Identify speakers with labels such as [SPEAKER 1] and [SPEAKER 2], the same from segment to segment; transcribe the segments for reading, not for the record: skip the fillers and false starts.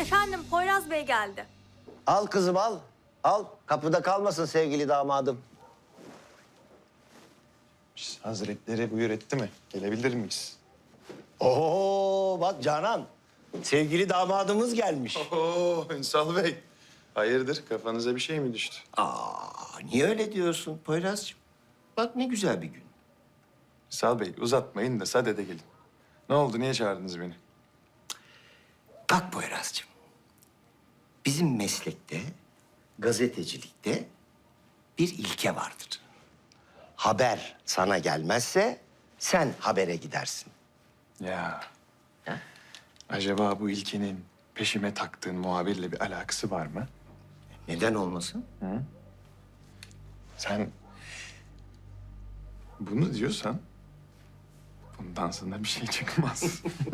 [SPEAKER 1] Efendim, Poyraz Bey geldi.
[SPEAKER 2] Al kızım al. Al. Kapıda kalmasın sevgili damadım.
[SPEAKER 3] Hazretleri buyur etti mi? Gelebilir miyiz?
[SPEAKER 2] Oo bak Canan. Sevgili damadımız gelmiş.
[SPEAKER 3] Oo Ünsal Bey. Hayırdır kafanıza bir şey mi düştü?
[SPEAKER 2] Niye öyle diyorsun Poyraz'cığım? Bak ne güzel bir gün.
[SPEAKER 3] Ünsal Bey uzatmayın da sadede gelin. Ne oldu niye çağırdınız beni?
[SPEAKER 2] Bak Poyraz'cığım. Bizim meslekte, gazetecilikte bir ilke vardır. Haber sana gelmezse sen habere gidersin.
[SPEAKER 3] Ya. Acaba bu ilkenin peşime taktığın muhabirle bir alakası var mı?
[SPEAKER 2] Neden olmasın?
[SPEAKER 3] Sen bunu diyorsan bundan sonra bir şey çıkmaz.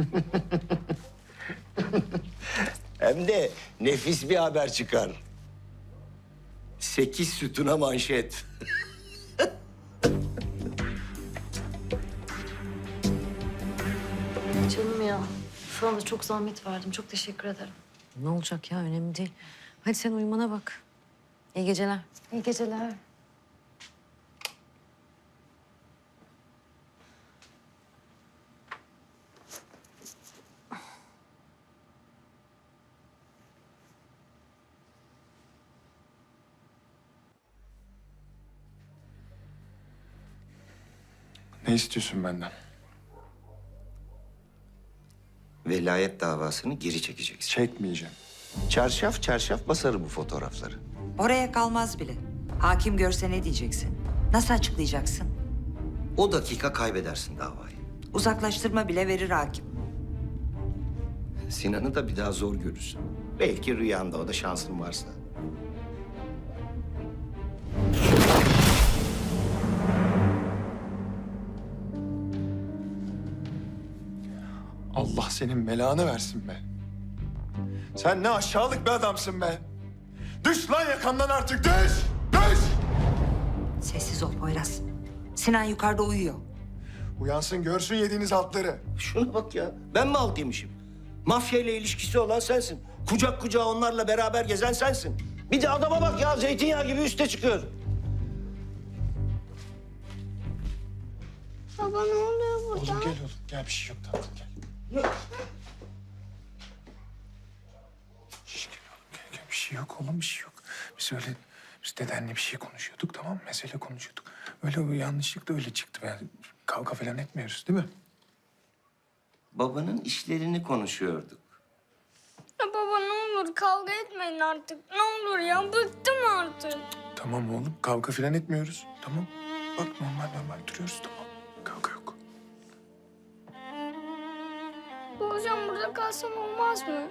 [SPEAKER 2] Hem de nefis bir haber çıkar. 8 sütuna manşet.
[SPEAKER 4] Canım ya. Sana da çok zahmet verdim. Çok teşekkür ederim.
[SPEAKER 5] Ne olacak ya? Önemli değil. Hadi sen uyumana bak. İyi geceler.
[SPEAKER 4] İyi geceler.
[SPEAKER 3] Ne istiyorsun benden?
[SPEAKER 2] Velayet davasını geri çekeceksin.
[SPEAKER 3] Çekmeyeceğim.
[SPEAKER 2] Çarşaf çarşaf basarım bu fotoğrafları.
[SPEAKER 6] Oraya kalmaz bile. Hakim görse ne diyeceksin? Nasıl açıklayacaksın?
[SPEAKER 2] O dakika kaybedersin davayı.
[SPEAKER 6] Uzaklaştırma bile verir hakim.
[SPEAKER 2] Sinan'ı da bir daha zor görürsün. Belki rüyanda, o da şansın varsa.
[SPEAKER 3] Allah senin belanı versin be. Sen ne aşağılık bir adamsın be. Düş lan yakamdan artık düş! Düş!
[SPEAKER 6] Sessiz ol Poyraz. Sinan yukarıda uyuyor.
[SPEAKER 3] Uyansın görsün yediğiniz altları.
[SPEAKER 2] Şuna bak ya, ben mi alt yemişim? Mafya ile ilişkisi olan sensin. Kucak kucağa onlarla beraber gezen sensin. Bir de adama bak ya, zeytinyağı gibi üste çıkıyor.
[SPEAKER 1] Baba ne oluyor burada?
[SPEAKER 3] Oğlum gel oğlum. Gel bir şey yok tatlım gel. Şş, gel oğlum gel, gel. Bir şey yok oğlum bir şey yok. Biz dedenle bir şey konuşuyorduk tamam mı? Mesele konuşuyorduk. Öyle yanlışlıkla öyle çıktı. Kavga falan etmiyoruz değil mi?
[SPEAKER 2] Babanın işlerini konuşuyorduk.
[SPEAKER 1] Ya baba ne olur kavga etmeyin artık. Ne olur ya bıktım artık.
[SPEAKER 3] Tamam oğlum kavga falan etmiyoruz. Tamam. Bak normal duruyoruz tamam. Kavga yok.
[SPEAKER 1] Bu hocam burada kalsam olmaz mı?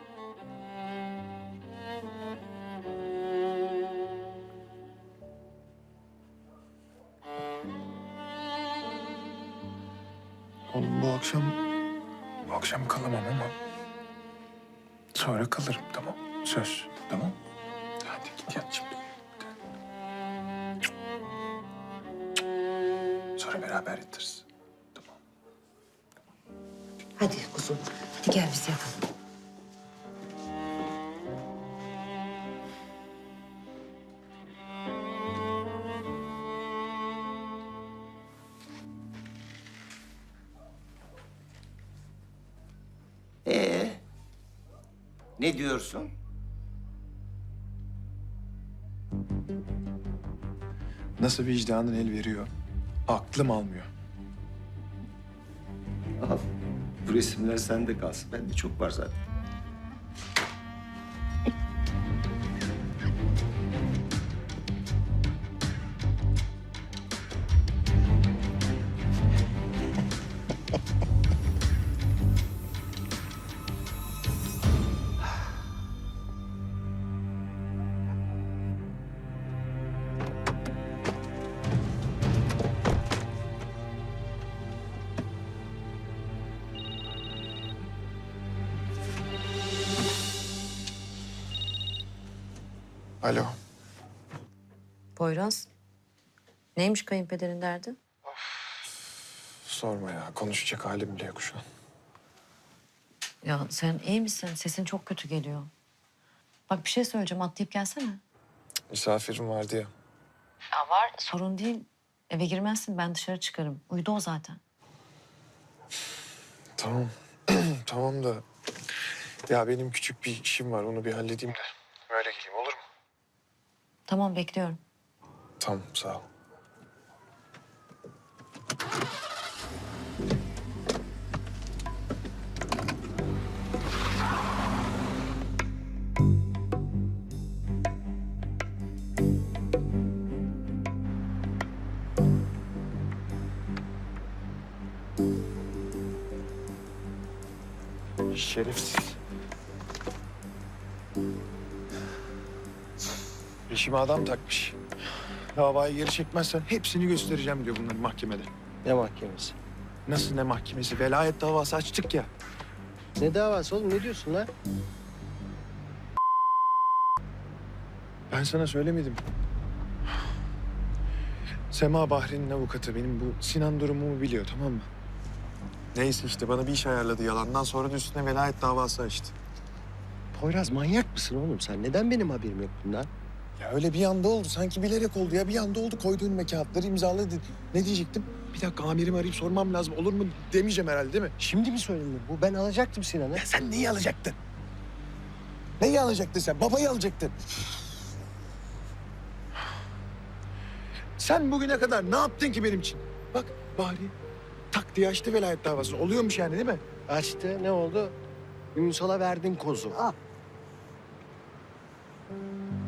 [SPEAKER 3] Oğlum bu akşam kalamam ama sonra kalırım tamam. Söz tamam. Hadi git yat şimdi. Sonra beraber yatarız. Tamam.
[SPEAKER 6] Hadi kuzum. Hadi gel biz yatalım.
[SPEAKER 2] Ne diyorsun?
[SPEAKER 3] Nasıl vicdanın el veriyor? Aklım almıyor.
[SPEAKER 2] Al. Bu resimler sende kalsın. Bende çok var zaten.
[SPEAKER 3] Alo.
[SPEAKER 5] Poyraz. Neymiş kayınpederin derdi?
[SPEAKER 3] Sorma ya. Konuşacak halim bile yok şu an.
[SPEAKER 5] Ya sen iyi misin? Sesin çok kötü geliyor. Bak bir şey söyleyeceğim, atlayıp gelsene.
[SPEAKER 3] Misafirim vardı ya.
[SPEAKER 5] Ya var. Sorun değil. Eve girmezsin, ben dışarı çıkarım. Uyudu o zaten.
[SPEAKER 3] Tamam. Tamam da... Ya benim küçük bir işim var. Onu bir halledeyim de. Öyle geleyim olur mu?
[SPEAKER 5] Tamam, bekliyorum.
[SPEAKER 3] Tamam sağ ol. Şerefsiz. İşime adam takmış. Davayı geri çekmezsen hepsini göstereceğim diyor bunların mahkemede.
[SPEAKER 2] Ne mahkemesi?
[SPEAKER 3] Nasıl ne mahkemesi? Velayet davası açtık ya.
[SPEAKER 2] Ne davası oğlum? Ne diyorsun lan?
[SPEAKER 3] Ben sana söylemedim. Sema Bahri'nin avukatı benim bu Sinan durumumu biliyor, tamam mı? Neyse işte bana bir iş ayarladı yalandan, sonra da üstüne velayet davası açtı.
[SPEAKER 2] Poyraz manyak mısın oğlum sen? Neden benim haberim yok bundan?
[SPEAKER 3] Ya öyle bir anda oldu, sanki bilerek oldu ya. Bir anda oldu, koydu önüme kağıtları, imzaladı. Ne diyecektim? Bir dakika amirimi arayıp sormam lazım, olur mu demeyeceğim herhalde değil mi?
[SPEAKER 2] Şimdi mi söyledin bu? Ben alacaktım Sinan'ı.
[SPEAKER 3] Ya sen neyi alacaktın? Neyi alacaktın sen? Babayı alacaktın. Sen bugüne kadar ne yaptın ki benim için? Bak Bahri tak diye açtı velayet davasını. Oluyormuş yani değil mi?
[SPEAKER 2] Açtı. Ne oldu? Ünsal'a verdin kozu. Al.